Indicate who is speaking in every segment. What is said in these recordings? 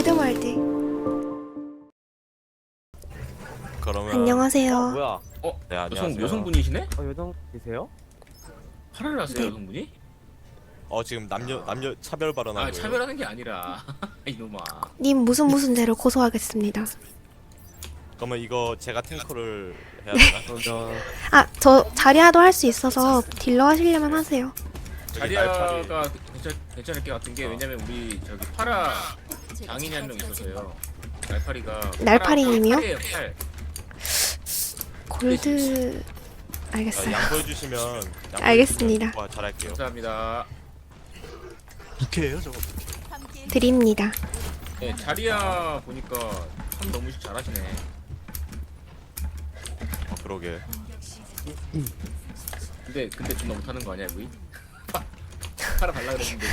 Speaker 1: 모델 때.
Speaker 2: 그러면
Speaker 1: 안녕하세요.
Speaker 3: 뭐야?
Speaker 2: 네 안녕하세요.
Speaker 4: 여성분이시네?
Speaker 3: 여성이세요?
Speaker 4: 화를 났어요
Speaker 1: 네.
Speaker 4: 여성분이?
Speaker 2: 지금 남녀 차별 발언하고요.
Speaker 4: 아 차별하는 게 아니라 이놈아.
Speaker 1: 님 무슨 죄로 고소하겠습니다.
Speaker 2: 그러면 이거 제가 탱커를 해야 되나?
Speaker 1: 아, 저 자리아도 할 수 있어서 딜러 하시려면 하세요.
Speaker 2: 저기 날파리.
Speaker 4: 자리아가 괜찮을 게 같은 게 왜냐면 우리 저기 파라 장인이 한 명 있어서요. 날파리가
Speaker 1: 날파리님이요?
Speaker 4: 팔이에요, 팔.
Speaker 1: 골드 알겠어요.
Speaker 2: 양보해주시면
Speaker 1: 알겠습니다.
Speaker 2: 와 잘할게요.
Speaker 4: 감사합니다.
Speaker 2: 부캐예요 저거?
Speaker 1: 드립니다.
Speaker 4: 네, 자리아 보니까 참 너무 잘하시네.
Speaker 2: 그러게.
Speaker 4: 근데 좀 못하는 거 아니야, 우리? 파라 달라 그랬는데.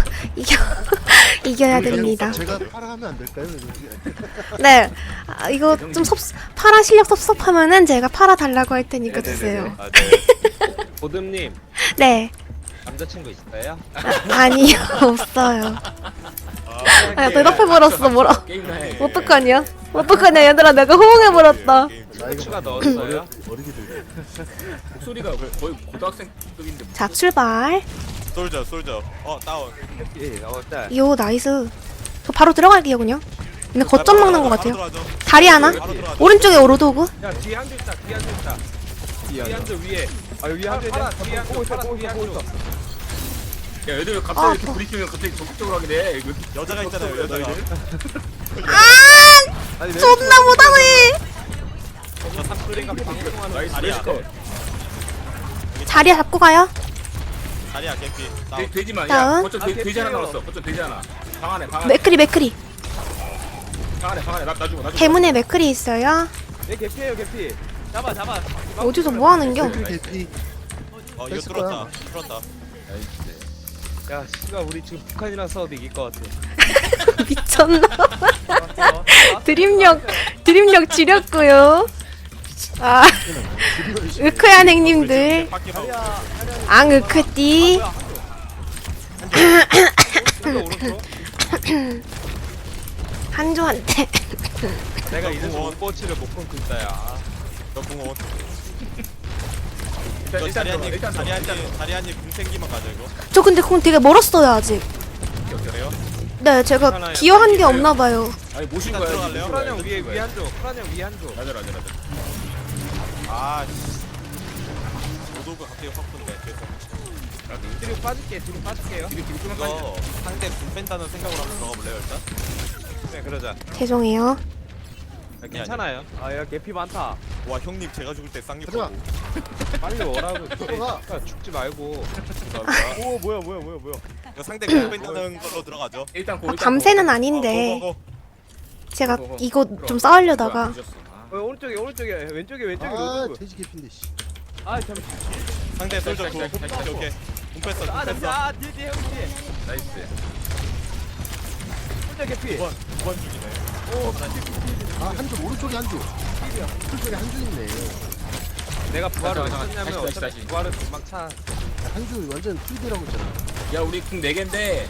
Speaker 1: 이겨야 됩니다.
Speaker 5: 제가 팔아하면 안 될까요?
Speaker 1: 네. 아, 이거 좀 파라 실력 섭섭하면은 제가 팔아 달라고 할 테니까
Speaker 4: 네네네네.
Speaker 1: 주세요.
Speaker 2: 아 네.
Speaker 3: 보듬님
Speaker 1: 네.
Speaker 3: 남자친구 있어요?
Speaker 1: 아니요, 없어요. 아, 대답해 버렸어. 뭐라?
Speaker 4: 게임이나 해.
Speaker 1: 어떡하냐? 어떡하냐, 얘들아, 내가 호응해 버렸다.
Speaker 3: 추가 넣었어요?
Speaker 5: 어리기들.
Speaker 4: 목소리가 거의 고등학생급인데.
Speaker 1: 자, 출발.
Speaker 2: 솔저. 다운.
Speaker 3: 예, 짤.
Speaker 1: 요, 나이스. 저 바로 들어갈게요, 그냥. 근데 거점 먹는 것 같아요.
Speaker 2: 바로 들어가죠.
Speaker 1: 다리 하나?
Speaker 2: 바로 들어가죠.
Speaker 1: 오른쪽에 오로도그.
Speaker 3: 야, 뒤에 한줄 있다, 뒤에 한줄 있다. 뒤에 한줄 위에. 아, 위에 한줄 있다. 뒤에 한줄, 뒤에 한줄.
Speaker 4: 야, 얘들 왜 갑자기
Speaker 1: 아,
Speaker 4: 이렇게 브리핑을 갑자기 적극적으로 하게 돼? 이거
Speaker 2: 여자가 있잖아요 여자가.
Speaker 1: 아! 존나 못하네!
Speaker 2: 저 삼크리가 방송하는
Speaker 4: 나이스
Speaker 2: 자리야.
Speaker 4: 레시컷.
Speaker 1: 자리야 잡고 가요.
Speaker 2: 자리야 개피. 다운.
Speaker 4: 돼지만.
Speaker 1: 다운.
Speaker 4: 야, 거점 돼지 하나 나왔어. 거점 돼지 하나. 방 안에.
Speaker 1: 맥크리.
Speaker 4: 방 안에. 나 주고.
Speaker 1: 대문에 맥크리 있어요.
Speaker 3: 내 개피예요, 개피. 잡아.
Speaker 1: 어디서 뭐 하는겨?
Speaker 5: 개피.
Speaker 2: 이거
Speaker 5: 했을 거야.
Speaker 2: 뚫었다.
Speaker 3: 야, 씨가 우리 지금 북한이랑 싸워도 이길 것 같아.
Speaker 1: 미쳤나? 드립력 지렸고요. 아, 으크야 행님들.
Speaker 2: 바퀴 봐.
Speaker 1: 앙 으크띠.
Speaker 3: 오른쪽.
Speaker 1: 한조한테.
Speaker 3: 내가 이래서 원포치를 못 끊고 있다, 야.
Speaker 2: 저 궁원.
Speaker 4: 일단
Speaker 2: 자리한님 궁 생기만 가져 이거.
Speaker 1: 저 근데 그건 되게 멀었어요 아직.
Speaker 2: 그래요?
Speaker 1: 네, 제가 기여한 게 없나 봐요.
Speaker 4: 아니 모신
Speaker 2: 일단
Speaker 4: 거야.
Speaker 2: 들어갈래요?
Speaker 3: 프라냥 위에 한줄. 프라냥 위에 한줄.
Speaker 4: 맞아.
Speaker 2: 아 씨. 오도가 갑자기 확 붙네.
Speaker 3: 뒤로 빠질게요.
Speaker 2: 이거 상대 궁 뺀다는 생각으로 한번 들어가 볼래요 일단?
Speaker 3: 네, 그러자.
Speaker 1: 죄송해요.
Speaker 3: 괜찮아요. 아, 야, 개피 많다.
Speaker 2: 와 형님 제가 죽을 때 쌍욕
Speaker 5: 가자.
Speaker 2: 하고.
Speaker 3: 빨리 오라고.
Speaker 5: 들어가.
Speaker 3: 야, 죽지 말고.
Speaker 2: 오 뭐야 이거 상대 궁 뺀다는 걸로 들어가죠.
Speaker 4: 일단 고.
Speaker 1: 밤새는 아닌데
Speaker 2: 고.
Speaker 1: 제가 이거 좀 싸우려다가
Speaker 3: 오른쪽에, 왼쪽에
Speaker 5: 아,
Speaker 3: 로드.
Speaker 5: 돼지 개피인데 씨.
Speaker 3: 아, 잠시.
Speaker 2: 상대 솔저 궁. 오케이. 궁 뺐어.
Speaker 3: 아,
Speaker 2: 궁 뺐어.
Speaker 3: 아, 뒤에 형 뒤에.
Speaker 4: 나이스.
Speaker 3: 혼자 개피.
Speaker 2: 두번 죽이네.
Speaker 5: 아, 한줄 오른쪽에 한줄. 오른쪽에 한줄 있네.
Speaker 3: 내가 부활을 왜
Speaker 4: 잠깐만,
Speaker 3: 했냐면
Speaker 4: 다시.
Speaker 3: 어차피 부활은 금방 차.
Speaker 5: 한줄 완전 2D라고 했잖아.
Speaker 4: 야 우리 궁 4개인데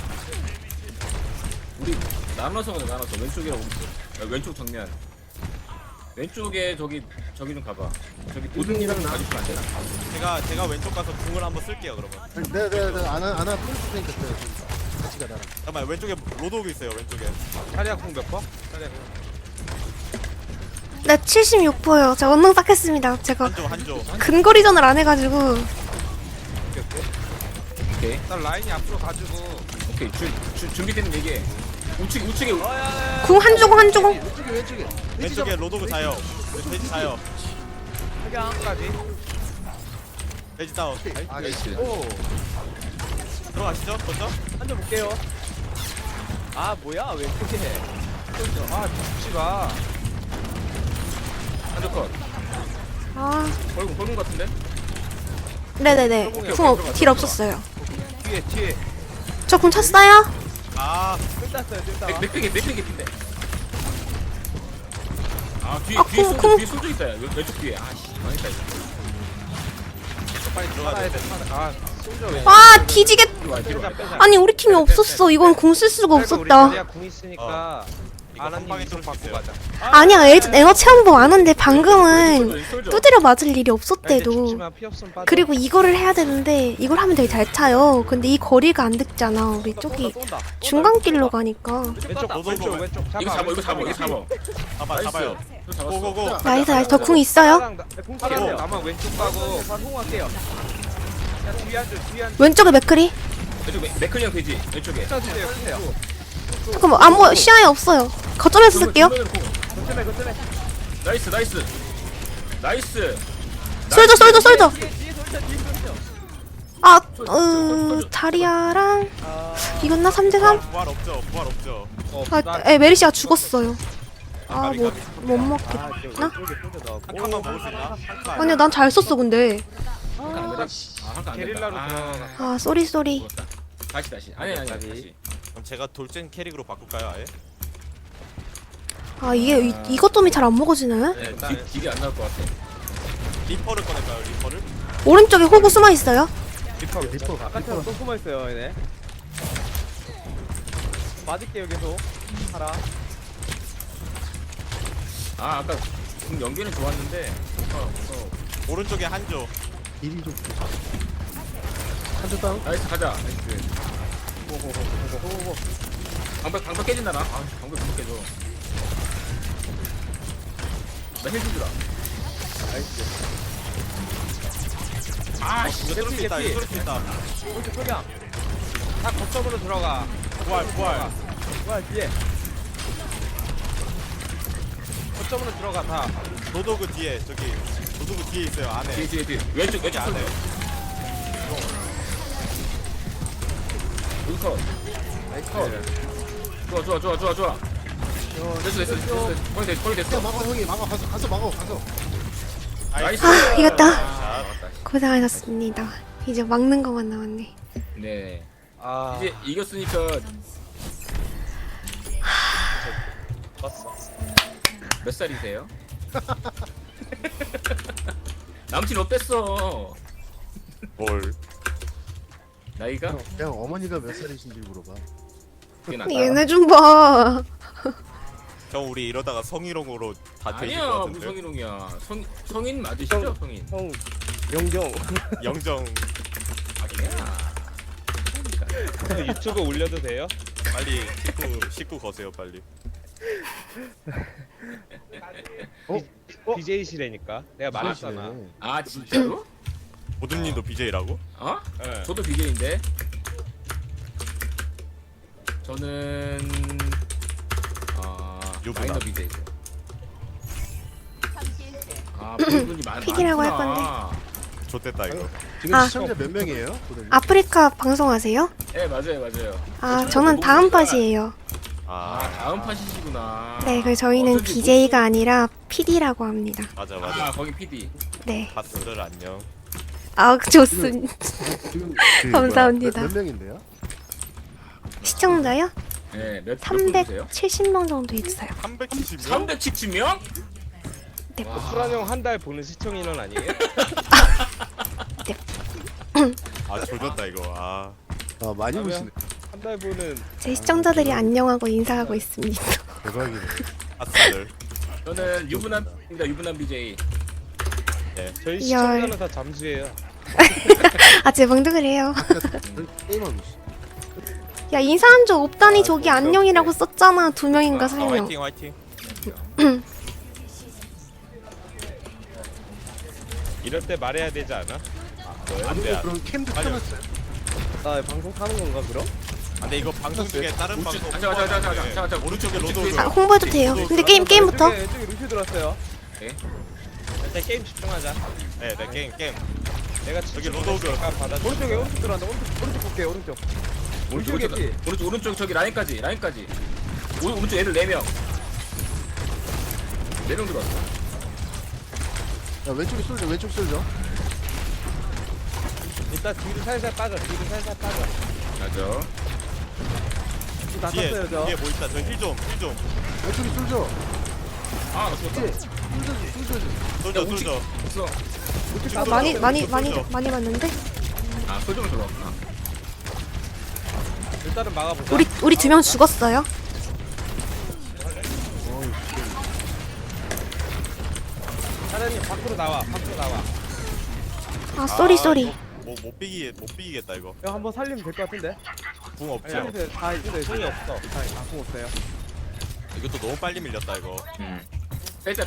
Speaker 4: 우리 나눠서 가자. 왼쪽이랑 오른쪽. 야, 왼쪽 정면. 왼쪽에 저기 좀 가봐. 저기 도준이랑 가주시면 안 되나?
Speaker 2: 제가 왼쪽 가서 궁을 한번 쓸게요 그러면.
Speaker 5: 내가 안아 뿌릴 테니까 같이 가 나랑.
Speaker 2: 잠깐만 왼쪽에 로드오그 있어요 왼쪽에.
Speaker 3: 자리야 궁몇 번? 자리야 궁.
Speaker 1: 네, 76%요. 제가 원능 딱 했습니다. 제가
Speaker 2: 한조.
Speaker 1: 근거리전을 안 해가지고.
Speaker 4: 오케이.
Speaker 3: 일단 라인이 앞으로 가지고.
Speaker 4: 오케이. 준비되면 얘기해. 우측에
Speaker 1: 궁 한 주공.
Speaker 5: 왼쪽에.
Speaker 2: 왼쪽에 로드오그 자요. 돼지 자요.
Speaker 3: 하강까지.
Speaker 2: 돼지 다운.
Speaker 5: 아,
Speaker 4: 나이스.
Speaker 3: 오.
Speaker 2: 들어가시죠 먼저.
Speaker 3: 한점 볼게요. 아, 뭐야? 왜 그렇게 해? 아, 죽지 마.
Speaker 4: 한쪽 컷.
Speaker 1: 아,
Speaker 4: 벌금 같은데?
Speaker 1: 네네네. 딜 없었어요.
Speaker 3: 뒤에.
Speaker 1: 저 궁 찼어요?
Speaker 2: 아
Speaker 3: 끝났어요.
Speaker 4: 맥핑 개핀데. 뒤에
Speaker 1: 아,
Speaker 4: 뒤에
Speaker 1: 쿵.
Speaker 4: 쏠져 있다. 왼쪽 뒤에. 아씨 망했다 이거.
Speaker 2: 빨리 들어가야
Speaker 3: 살아야
Speaker 2: 돼.
Speaker 3: 돼. 아, 솔져 왜?
Speaker 1: 와, 뒤지겠.
Speaker 4: 뒤로 와.
Speaker 1: 아니, 우리 팀이 없었어. 이건 궁 쓸 수가 없었다.
Speaker 3: 자리야 궁 있으니까 아나님
Speaker 2: 방에
Speaker 3: 좀
Speaker 2: 쏠수
Speaker 3: 받고
Speaker 2: 있어요.
Speaker 3: 가자.
Speaker 1: 아니야, 에너 체험보 아는데 방금은 두드려 맞을 일이 없었대도.
Speaker 3: 죽지만 피 없으면 빠져.
Speaker 1: 그리고 이거를 해야 되는데 이걸 하면 되게 잘 차요. 근데 이 거리가 안 듣잖아. 우리 저기 중간길로 가니까.
Speaker 3: 왼쪽 왼쪽
Speaker 4: 이거 잡아 이거 잡아 이거 잡아.
Speaker 2: 잡아
Speaker 4: 나이스.
Speaker 2: 잡아요.
Speaker 4: 또 잡았어.
Speaker 2: 고고고.
Speaker 1: 나이스 나이스. 덕궁 있어요?
Speaker 3: 파랑 나만 왼쪽 가고 바로 홍할게요. 야 뒤에 앉아 뒤에 앉아.
Speaker 1: 왼쪽에 맥크리?
Speaker 4: 왼쪽 맥클리형 되지 왼쪽에.
Speaker 3: 주세요 주세요.
Speaker 1: 잠깐만 안 보여. 시야에 없어요. 거점에서 쓸게요.
Speaker 3: 거점에.
Speaker 4: 나이스 나이스. 나이스.
Speaker 1: 쏠져.
Speaker 3: 뒤에 돌자 뒤에 돌자.
Speaker 1: 아, 자리아랑 이겼나? 3대3?
Speaker 2: 부활 없죠.
Speaker 1: 아, 메리시아 죽었어요. 아, 뭐, 못 먹겠나?
Speaker 2: 한 칸만 먹을 수 있나? 한 칸.
Speaker 1: 아니야, 난 잘 썼어, 근데.
Speaker 4: 한칸
Speaker 3: 게릴라로 들어가.
Speaker 1: 아, 쏘리.
Speaker 4: 다시. 아니 다시.
Speaker 2: 그럼 제가 돌진 캐릭으로 바꿀까요 아예?
Speaker 1: 아, 이것 때문에 잘 안 먹어지네?
Speaker 4: 네, 딜이 안 나올 것 같아.
Speaker 2: 리퍼를 꺼낼까요 리퍼를?
Speaker 1: 오른쪽에 호구 숨어 있어요.
Speaker 3: 리퍼 아까처럼 또 숨어 있어요 얘네. 맞을게요 계속. 하라.
Speaker 4: 아 아까 공 연계는 좋았는데.
Speaker 2: 오른쪽에 한조.
Speaker 5: 딜이 좀 한조 다운.
Speaker 4: 나이스 가자. 나이스.
Speaker 3: 호호호호호호.
Speaker 4: 방벽 깨진다 나. 아 방벽 못 깨져. 나힐 주라.
Speaker 3: 나이스.
Speaker 4: 아씨
Speaker 2: 이거 뚫을 수 있다. 이거 뚫을 수 있다.
Speaker 3: 오른쪽 소경. 다 거점으로 들어가.
Speaker 2: 부활.
Speaker 3: 뭐야 뒤에. 거점으로 들어가 다.
Speaker 2: 노도그 뒤에 노도그 뒤에 있어요 안에.
Speaker 4: 뒤에 왼쪽
Speaker 2: 여기 안에.
Speaker 4: 컷. 나이스 컷. 좋아. 됐어. 거의 됐어.
Speaker 5: 야, 막아 형이 막아 가서 막아.
Speaker 4: 나이스.
Speaker 1: 아, 이겼다.
Speaker 4: 아,
Speaker 1: 고생하셨습니다. 이제 막는 것만 남았네.
Speaker 4: 네.
Speaker 3: 아.
Speaker 4: 이제 이겼으니까
Speaker 3: 봤어.
Speaker 4: 몇 살이세요? 남친 어땠어?
Speaker 2: 뭘?
Speaker 4: 나이가?
Speaker 5: 그냥 어머니가 몇 살이신지 물어봐.
Speaker 4: 그게 낫다.
Speaker 1: 얘네 좀 봐.
Speaker 2: 형 우리 이러다가 성희롱으로 다 되실 것
Speaker 4: 아니야
Speaker 2: 같은데.
Speaker 4: 무슨 성희롱이야. 성인 맞으시죠 성인?
Speaker 3: 형 영경.
Speaker 2: 영정
Speaker 4: 아니야.
Speaker 3: 유튜브 올려도 돼요?
Speaker 2: 빨리 식구 거세요 빨리.
Speaker 3: BJ시래니까 내가 말했잖아.
Speaker 5: 그러시네.
Speaker 4: 아 진짜로?
Speaker 2: 모든님도 BJ라고?
Speaker 4: 어?
Speaker 3: 네.
Speaker 4: 저도 BJ인데. 저는
Speaker 2: 유부남.
Speaker 4: 마이너 BJ죠. 아 분이 많.
Speaker 1: 픽이라고 할
Speaker 4: 많구나.
Speaker 2: 좋댔다 이거.
Speaker 5: 지금
Speaker 1: 아.
Speaker 5: 시청자 몇 명이에요? 고객님?
Speaker 1: 아프리카 방송하세요?
Speaker 4: 네 맞아요.
Speaker 1: 아, 저는 다음 팟이에요.
Speaker 4: 아 다음 팟이시구나.
Speaker 1: 네, 그래서 저희는
Speaker 4: 어쩐지
Speaker 1: BJ가 아니라 PD라고 합니다.
Speaker 2: 맞아.
Speaker 4: 아 거기 PD.
Speaker 1: 네.
Speaker 2: 바스들 안녕.
Speaker 1: 아, 좋습니다.
Speaker 5: 지금
Speaker 1: 감사합니다.
Speaker 5: 몇 명인데요?
Speaker 1: 시청자요?
Speaker 4: 네, 몇 분이세요?
Speaker 1: 370명 정도 있어요.
Speaker 2: 370명?
Speaker 4: 370명?
Speaker 1: 네.
Speaker 3: 수란 형 한 달 보는 시청 인원 아니에요?
Speaker 2: 아 조졌다 이거. 아
Speaker 5: 아 많이
Speaker 3: 그러면-
Speaker 5: 보시네.
Speaker 3: 한 달 보는
Speaker 1: 제 시청자들이 안녕하고 인사하고 있습니다.
Speaker 5: 대박이네.
Speaker 2: 바스들.
Speaker 4: 저는 유부남입니다. 유부남 BJ.
Speaker 3: 저희
Speaker 1: 열.
Speaker 3: 시청자는 다 잠수해요.
Speaker 1: 아, 제 방도 그래요.
Speaker 5: 게임하고 있어.
Speaker 1: 야, 인사한 적 없다니 저기 안녕이라고 썼잖아. 2명인가 3명.
Speaker 2: 화이팅.
Speaker 3: 이럴 때 말해야 되지 않아?
Speaker 2: 안돼.
Speaker 5: 그럼 캠도
Speaker 2: 아니요.
Speaker 5: 켜놨어요.
Speaker 3: 나 방송 타는 건가 그럼?
Speaker 2: 안돼 이거 방송 중에 다른 방송.
Speaker 4: 자,
Speaker 2: 오른쪽에 로드.
Speaker 1: 아, 홍보해도 돼요. 근데 게임부터.
Speaker 3: 왼쪽에 루시 들어왔어요.
Speaker 4: 네.
Speaker 3: 일단 게임 집중하자.
Speaker 2: 네 게임.
Speaker 3: 내가
Speaker 2: 저기 로드오그.
Speaker 3: 받아. 오른쪽 들어간다. 오른쪽 볼게 오른쪽.
Speaker 4: 오른쪽 저기 라인까지. 오른쪽 애들 4명. 4명 들어왔어.
Speaker 5: 야 왼쪽에 쏠져. 왼쪽 쏠져.
Speaker 3: 일단 뒤로 살살 빠져.
Speaker 4: 맞아.
Speaker 3: 다
Speaker 2: 뒤에
Speaker 3: 썼어요 저.
Speaker 2: 뒤에 뭐 있다. 저 힐 좀.
Speaker 5: 왼쪽에 쏠져.
Speaker 4: 아, 나 죽었다.
Speaker 5: 쏠져.
Speaker 2: 쏠져.
Speaker 4: 없어.
Speaker 1: 아, 많이 맞는데?
Speaker 4: 아, 소정을 들어왔구나.
Speaker 3: 일단은 막아보자.
Speaker 1: 우리 2명 죽었어요.
Speaker 3: 사장님 밖으로 나와. 밖으로 나와.
Speaker 1: 아 쏘리.
Speaker 2: 못 비기겠다 이거.
Speaker 3: 형 한번 살리면 될 것 같은데.
Speaker 2: 궁 없죠.
Speaker 3: 다 이제 손이 없어. 다공 없어요.
Speaker 2: 이것도 너무 빨리 밀렸다 이거.
Speaker 4: 빼자.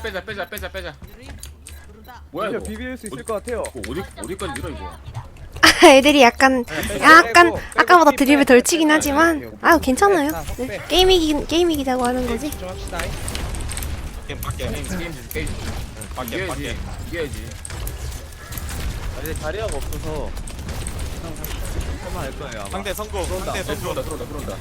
Speaker 4: 뭐야
Speaker 3: 진짜
Speaker 4: 이거?
Speaker 3: 비빌 수 있을 것 같아요.
Speaker 4: 어디까지 밀어 이거?
Speaker 1: 애들이 약간 아까보다 드립을 덜 치긴 하지만 아유 괜찮아요. 네, 게임이기자고 하는 거지.
Speaker 3: 집중합시다.
Speaker 2: 게임 밖에.
Speaker 4: 게임
Speaker 2: 밖에.
Speaker 4: 이겨야지.
Speaker 3: 이제 자리아가 없어서 할만 할 거예요. 아마.
Speaker 2: 상대 성공. 상대 성공.
Speaker 4: 들어온다.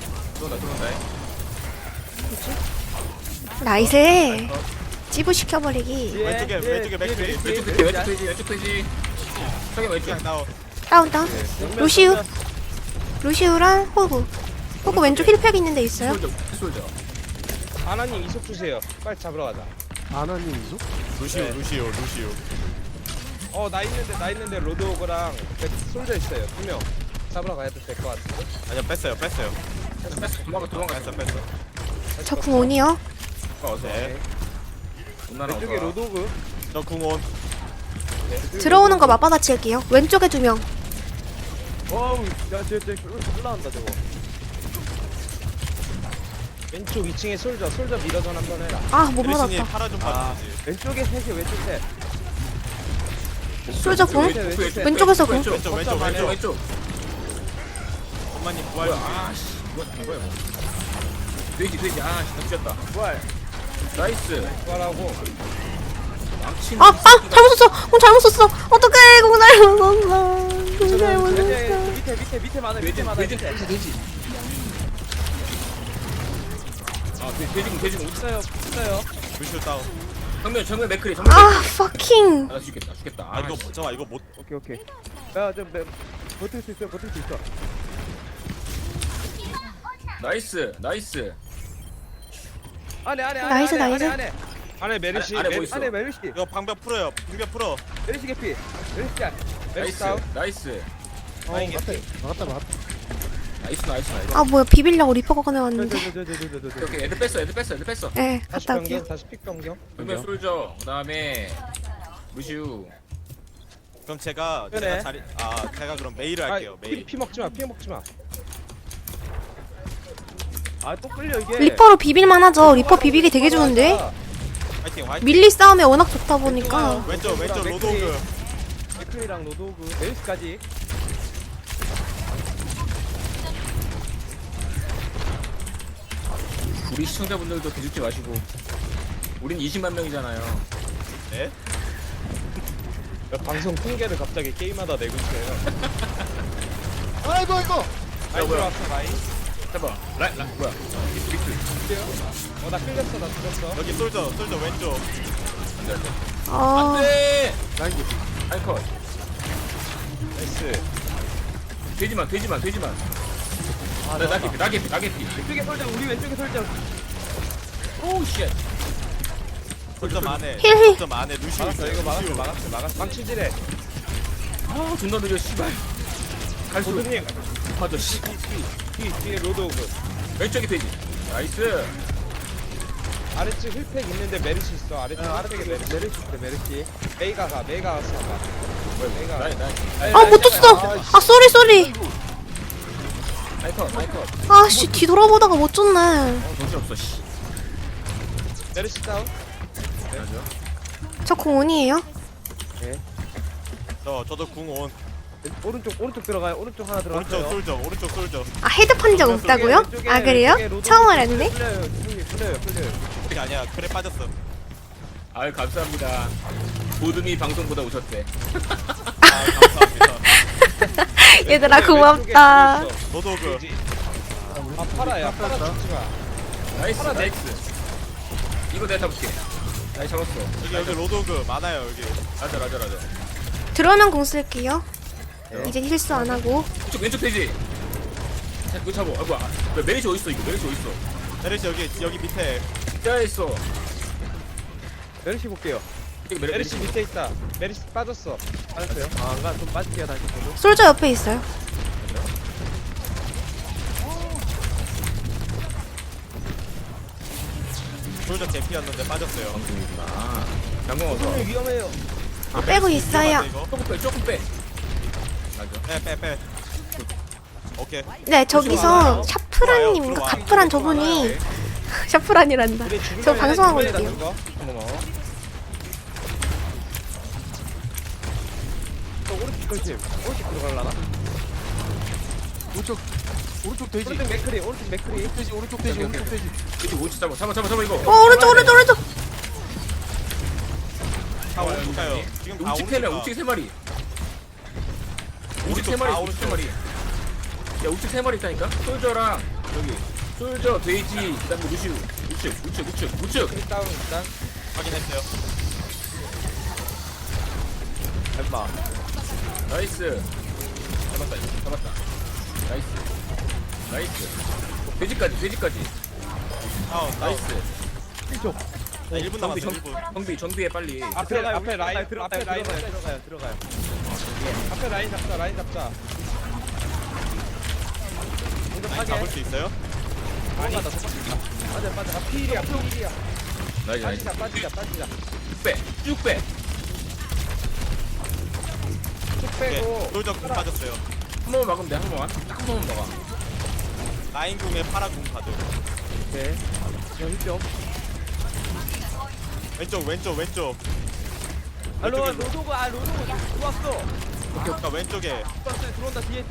Speaker 1: 나이스. 찌부 시켜버리기.
Speaker 2: 왼쪽에 맥크리.
Speaker 4: 왼쪽 페이지. 저기 왼쪽.
Speaker 2: 그냥 나오.
Speaker 1: 다운. 루시우랑 호구 왼쪽 힐팩 있는 데 있어요.
Speaker 4: 솔져.
Speaker 3: 하나님 이속 주세요. 빨리 잡으러 가자.
Speaker 5: 아나님 이소?
Speaker 2: 루시오.
Speaker 3: 나 있는데 로드오그랑 솔져 있어요. 2명. 잡으러 가야 될 것 같은데.
Speaker 2: 아니요 뺐어요.
Speaker 4: 도망가.
Speaker 2: 뺐어.
Speaker 1: 저 궁온이요.
Speaker 4: 어서.
Speaker 2: 네.
Speaker 3: 왼쪽에 로드오그.
Speaker 2: 저 궁온.
Speaker 1: 들어오는 거 맞받아칠게요. 왼쪽에 2명.
Speaker 3: 어우, 저 올라온다 저거. 왼쪽 2층에 솔져 밀어전 한번 해라.
Speaker 1: 아 못
Speaker 2: 메르시니
Speaker 1: 맞았다.
Speaker 2: 팔아 좀 봐주지.
Speaker 3: 왼쪽에 셋이 왼쪽 셋.
Speaker 1: 솔저 궁. 왼쪽에서 궁.
Speaker 4: 왼쪽.
Speaker 2: 엄마님 부활.
Speaker 4: 아씨, 이거 된 거야. 돼지. 아, 진짜
Speaker 3: 부활.
Speaker 4: 나이스.
Speaker 3: 부활하고.
Speaker 4: 망친.
Speaker 1: 잘못 썼어. 궁 잘못 썼어. 어떡해. 궁 잘못 썼어. 궁 잘못 썼어.
Speaker 3: 밑에 많아.
Speaker 4: 돼지. 아, 돼지군.
Speaker 3: 있어요.
Speaker 2: 루시오 다운.
Speaker 4: 정면 맥크리.
Speaker 1: 아 fucking.
Speaker 4: 나 죽겠다.
Speaker 2: 아 이거 잠깐 이거 못.
Speaker 3: 오케이. 야좀 버틸 수 있어.
Speaker 4: 나이스.
Speaker 3: 안에.
Speaker 1: 나이스.
Speaker 3: 안에 메르시.
Speaker 4: 안에 뭐 있어?
Speaker 3: 안에 메르시.
Speaker 2: 이거 방벽 풀어요. 방벽 풀어.
Speaker 3: 메르시 개피. 메르시 짤. 메르시 다운.
Speaker 4: 나이스.
Speaker 5: 막았다.
Speaker 4: 나이스.
Speaker 1: 아 뭐야 비빌려고 리퍼가 꺼내왔는데.
Speaker 4: 오케이, 애들 뺐어.
Speaker 1: 네
Speaker 3: 다시
Speaker 1: 갔다 올게요.
Speaker 3: 변경. 다시 픽 변경.
Speaker 4: 정면 솔져. 그다음에 루시우.
Speaker 2: 그럼 제가
Speaker 3: 그래.
Speaker 2: 제가 그럼 메일을 할게요. 메일.
Speaker 3: 피 먹지 마. 아 또 끌려 이게.
Speaker 1: 리퍼로 비빌만 하죠. 리퍼 비비기 되게 좋은데.
Speaker 2: 화이팅.
Speaker 1: 밀리 싸움에 워낙 좋다 보니까.
Speaker 2: 왼쪽 로드오그.
Speaker 3: 맥클이랑 로드오그 메르시까지.
Speaker 4: 우리 시청자분들도 기죽지 마시고. 우린 20만 명이잖아요.
Speaker 2: 네.
Speaker 3: 방송 통계를 갑자기 게임하다 내고 있어요.
Speaker 5: 아이고.
Speaker 3: 많이
Speaker 4: 뭐야?
Speaker 3: 들어왔어 많이.
Speaker 4: 해봐. 라이 뭐야? 빅트.
Speaker 3: 나 끌렸어. 나 죽었어.
Speaker 2: 여기 솔저 왼쪽.
Speaker 4: 안돼.
Speaker 1: 어.
Speaker 4: 안돼.
Speaker 5: 라인 개피.
Speaker 4: 아이컷.
Speaker 3: 나이스.
Speaker 4: 돼지만. 나게피.
Speaker 3: 왼쪽에 솔져. 우리 왼쪽에 솔져.
Speaker 4: 오우 쉣.
Speaker 2: 솔저 만에.
Speaker 1: 힐.
Speaker 2: 솔저 만에 루시오.
Speaker 3: 막았어. 이거 막았어. 망치질해.
Speaker 4: 아 존나 느려 씨발. 갈수.
Speaker 3: 고드님.
Speaker 4: 맞아 씨.
Speaker 3: 뒤에 로드오그.
Speaker 4: 왼쪽에 돼지. 나이스.
Speaker 3: 아래쪽 힐팩 있는데 메르시 있어. 아래쪽에 메르시 있어. 메르시. 메이가 왔어. 메이가.
Speaker 4: 나이.
Speaker 1: 못 줬어. 아 쏘리.
Speaker 4: 나이컷.
Speaker 1: 아씨 뒤돌아보다가 못 줬네.
Speaker 4: 정신 없어 씨.
Speaker 3: 메르시 다운.
Speaker 1: 저 궁온이에요.
Speaker 2: 저도 궁온.
Speaker 3: 오른쪽 들어가요. 오른쪽 하나 들어갔어요.
Speaker 2: 오른쪽 솔저.
Speaker 1: 아 헤드 판 적 없다고요? 아 그래요? 처음 알았네.
Speaker 3: 풀려요.
Speaker 2: 그게 아니야. 그래 빠졌어.
Speaker 4: 아유 감사합니다. 보듬이 방송보다 오셨대.
Speaker 2: 감사합니다.
Speaker 1: 얘들아 고맙다.
Speaker 2: 로드오그.
Speaker 3: 아 파라야. 파라 죽지 마.
Speaker 4: 나이스. 이거 내가 잡을게. 나이 잡았어.
Speaker 2: 여기 로드오그 많아요 여기.
Speaker 4: 맞아.
Speaker 1: 들어오면 공 쓸게요. 이제 힐수 안 하고.
Speaker 4: 왼쪽 돼지. 자, 그거 잡아. 아 뭐야? 메리시 어디 있어 이거?
Speaker 2: 메르시 여기 밑에.
Speaker 4: 진짜 있어.
Speaker 3: 메르시 볼게요. 메르시 밑에 있다. 메르시 빠졌어요? 안가 좀 빠질게요 다시 저도.
Speaker 1: 솔저 옆에 있어요.
Speaker 2: 솔저 제피였는데 빠졌어요.
Speaker 4: 방송이구나. 장공 어서.
Speaker 3: 위험해요.
Speaker 1: 빼고 있어요.
Speaker 4: 조금 빼. 맞아.
Speaker 2: 빼. 오케이.
Speaker 1: 네, 저기서 샤프란님인가 카프란 저분이 샤프란이란다. 저 방송하고 있대요.
Speaker 3: 오른쪽 걸침. 오른쪽 들어갈라나?
Speaker 5: 오른쪽 돼지.
Speaker 3: 오른쪽 맥크리. 오른쪽 맥크리.
Speaker 5: 오른쪽 돼지.
Speaker 4: 이거 오치 잡아 이거.
Speaker 1: 오른쪽.
Speaker 2: 다 오른쪽 가요. 지금 다
Speaker 4: 우측
Speaker 2: 오른쪽
Speaker 4: 3마리,
Speaker 2: 가.
Speaker 4: 우측 3마리. 우측
Speaker 2: 오른쪽
Speaker 4: 3마리,
Speaker 2: 다
Speaker 4: 우측
Speaker 2: 오른쪽.
Speaker 4: 3마리. 야, 우측 3마리 있다니까? 솔저랑, 여기. 솔저, 돼지, 그 다음에 루시우. 우측.
Speaker 3: 일단 일단
Speaker 2: 확인했어요.
Speaker 3: 얼마?
Speaker 4: 나이스. 잡았다. 나이스. 돼지까지.
Speaker 2: 나이스.
Speaker 4: 나이스.
Speaker 2: 나 1분 남았어. 1분.
Speaker 4: 정비해, 빨리.
Speaker 3: 앞에 라인 들어가요. 앞에 라인 잡자.
Speaker 2: 라인 잡을 수 있어요?
Speaker 3: 맞아. 필이야.
Speaker 4: 나이스.
Speaker 3: 빠지자.
Speaker 4: 쭉 빼.
Speaker 3: 쭉
Speaker 2: 오케이.
Speaker 3: 빼고.
Speaker 2: 솔저 궁 빠졌어요.
Speaker 4: 한 번만 막으면 돼, 한 번만. 딱 한 번만 막아.
Speaker 2: 라인 궁에 파라 궁 빠져.
Speaker 3: 오케이. 여기 좀.
Speaker 2: 왼쪽.
Speaker 3: 로도가 들어왔어.
Speaker 2: 그러니까 왼쪽에.
Speaker 3: 들어온다. 뒤에.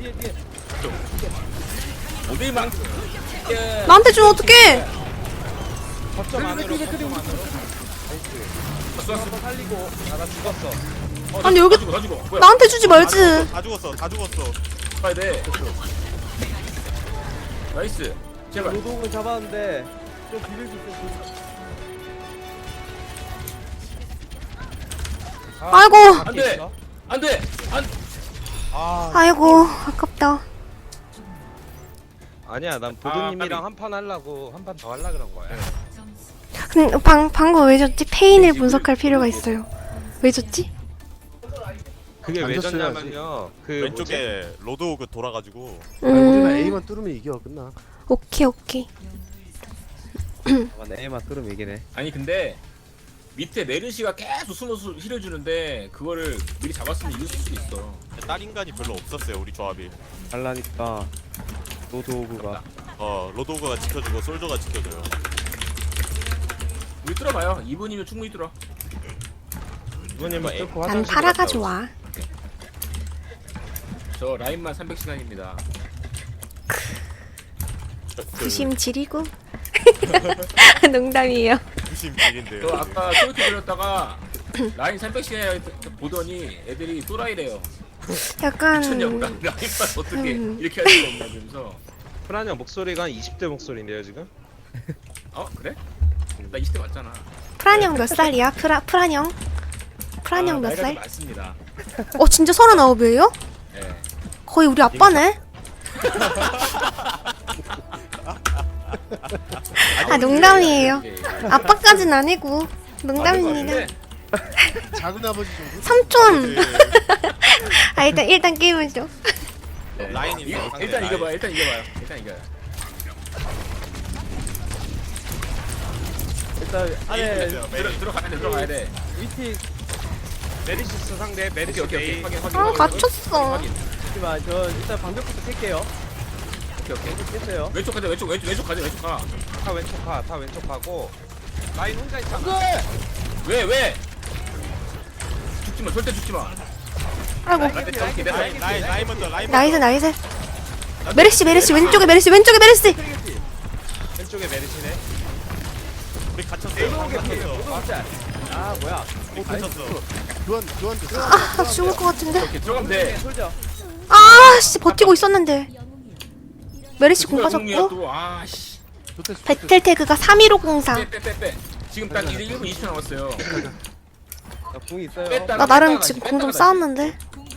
Speaker 4: 어딜 막.
Speaker 1: 나한테 주면 어떡해?
Speaker 3: 거점 안으로.
Speaker 4: 왔어.
Speaker 3: 살리고. 나 죽었어.
Speaker 1: 아니 여기
Speaker 4: 다 죽어. 뭐야?
Speaker 1: 나한테 주지 말지.
Speaker 2: 다 죽었어.
Speaker 4: 가야 돼. 나이스. 제발.
Speaker 3: 로도를 잡았는데 좀 비빌 수 있어.
Speaker 1: 아이고.
Speaker 4: 안 돼.
Speaker 1: 아이고 아깝다.
Speaker 3: 아니야, 난 보드님이랑 한 판 하려고 한 판 더 하려 그런 거야.
Speaker 1: 근데 방금 왜 줬지? 페인을 분석할 필요가 있어요. 왜 줬지?
Speaker 3: 그게 왜
Speaker 5: 던졌어야지.
Speaker 3: 졌냐면요. 그
Speaker 2: 왼쪽에 로드오그 돌아가지고.
Speaker 5: 우리만 A만 뚫으면 이겨 끝나.
Speaker 1: 오케이.
Speaker 3: A만 뚫으면 이기네.
Speaker 4: 아니 근데 밑에 메르시가 계속 숨어서 힐해주는데 그거를 미리 잡았으면 이길 수도 있어.
Speaker 2: 딸 인간이 별로 없었어요. 우리 조합이.
Speaker 3: 달라니까 로드오그가.
Speaker 2: 로드오그가 지켜주고 솔저가 지켜줘요.
Speaker 4: 우리 뚫어봐요. 2분이면 충분히 뚫어.
Speaker 3: 이번에만 뚫고
Speaker 1: 난
Speaker 3: 화장실
Speaker 1: 파라가
Speaker 3: 갔다
Speaker 1: 좋아.
Speaker 4: 저 라인만 300시간입니다.
Speaker 1: 부심 지리고. 농담이에요.
Speaker 2: 부심질인데요.
Speaker 4: 저 아까 소이트 들렸다가 라인 300시간 보더니 애들이 또라이래요.
Speaker 1: 약간
Speaker 4: 미쳤냐고 라인만 어떻게 이렇게 할 수가 없냐 면서.
Speaker 3: 프란 형 목소리가 한 20대 목소리인데요 지금?
Speaker 4: 어 그래? 나 20대 맞잖아.
Speaker 1: 프란형 몇 살이야? 프란형? 프란형 몇
Speaker 4: 나이가 좀
Speaker 1: 살?
Speaker 4: 많습니다.
Speaker 1: 진짜 39이에요?
Speaker 4: 예.
Speaker 1: 거의 우리 아빠네? 농담이에요. 아빠까진 아니고 농담입니다.
Speaker 5: 작은 아버지 좀.
Speaker 1: 삼촌. 일단 게임을 좀.
Speaker 2: 라인이 있어요, 상대
Speaker 4: 일단
Speaker 2: 라인.
Speaker 4: 이겨봐요. 일단 이겨요.
Speaker 3: 일단 안에
Speaker 4: 들어가야 돼.
Speaker 3: 위티 메리시스 상대 메리시
Speaker 4: 오케이. 확인.
Speaker 1: 갇혔어.
Speaker 3: 잠시만 저 일단 방벽부터 깰게요.
Speaker 4: 오케이.
Speaker 3: 깼어요.
Speaker 4: 왼쪽 가자. 왼쪽 가.
Speaker 3: 다 왼쪽 가고 라인 혼자 있잖아.
Speaker 4: 왜? 죽지 마. 절대 죽지 마.
Speaker 1: 아이고.
Speaker 2: 라인 먼저.
Speaker 1: 나이스. 메르시 왼쪽에 메르시.
Speaker 3: 왼쪽에 메리시네.
Speaker 2: 우리 갇혔어요.
Speaker 3: 맞아. 아 뭐야?
Speaker 2: 우리 갇혔어.
Speaker 5: 교환 됐어.
Speaker 1: 나 죽을 것 같은데.
Speaker 4: 오케이 들어가면 돼.
Speaker 3: 솔져.
Speaker 1: 씨 버티고 있었는데. 메르시 공 빠졌고.
Speaker 4: 또 아씨.
Speaker 5: 좋댔어.
Speaker 1: 배틀 태그가 31504.
Speaker 4: 빼. 지금 딱 이제 1분 20초 남았어요.
Speaker 3: 나 궁이 있어요.
Speaker 1: 나 나름 지금 공 좀 쌓았는데.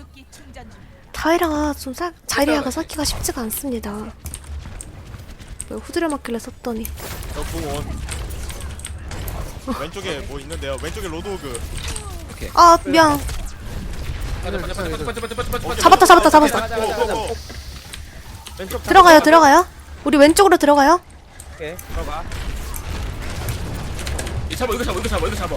Speaker 1: 자이라가 쌓기가 쉽지가 않습니다. 왜 후드려 맞길래 썼더니.
Speaker 2: 저궁온 왼쪽에 뭐 있는데요. 왼쪽에 로드오그.
Speaker 1: 미안.
Speaker 4: 잡았다.
Speaker 1: 잡았다.
Speaker 3: 왼쪽
Speaker 1: 들어가요. 우리 왼쪽으로 들어가요.
Speaker 3: 오케이 들어가.
Speaker 4: 이거 잡아.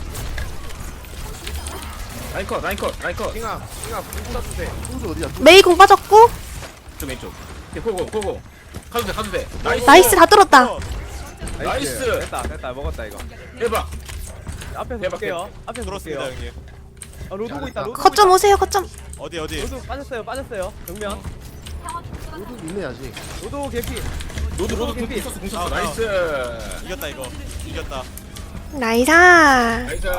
Speaker 4: 라인컷.
Speaker 3: 띵아 궁 써주세요.
Speaker 5: 소주 어디야?
Speaker 1: 메이 공 빠졌고.
Speaker 4: 좀 왼쪽. 오케이, 고고. 가도 돼.
Speaker 1: 나이스 다 뚫었다.
Speaker 4: 나이스.
Speaker 3: 됐다 먹었다 이거.
Speaker 4: 대박.
Speaker 3: 앞에서
Speaker 4: 대박,
Speaker 3: 볼게요. 앞에서
Speaker 2: 들었습니다
Speaker 3: 볼게요.
Speaker 2: 형님.
Speaker 3: 아 로드고 있다. 로드고
Speaker 1: 거점 오세요 거점.
Speaker 2: 어디
Speaker 3: 로드 빠졌어요. 정면.
Speaker 5: 소주 있네 아직.
Speaker 3: 로드 개피.
Speaker 4: 로드
Speaker 3: 개피.
Speaker 4: 공 썼어.
Speaker 2: 아,
Speaker 4: 나이스.
Speaker 2: 이겼다 이거. 이겼다.
Speaker 1: 나이사.
Speaker 4: 나이스.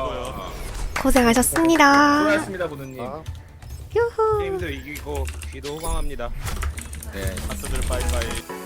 Speaker 1: 고생하셨습니다.
Speaker 4: 수고하셨습니다, 보드님.
Speaker 5: 아,
Speaker 1: 유후.
Speaker 3: 게임도 이기고 귀도 호강합니다.
Speaker 4: 네.
Speaker 2: 가스들 빠이빠이.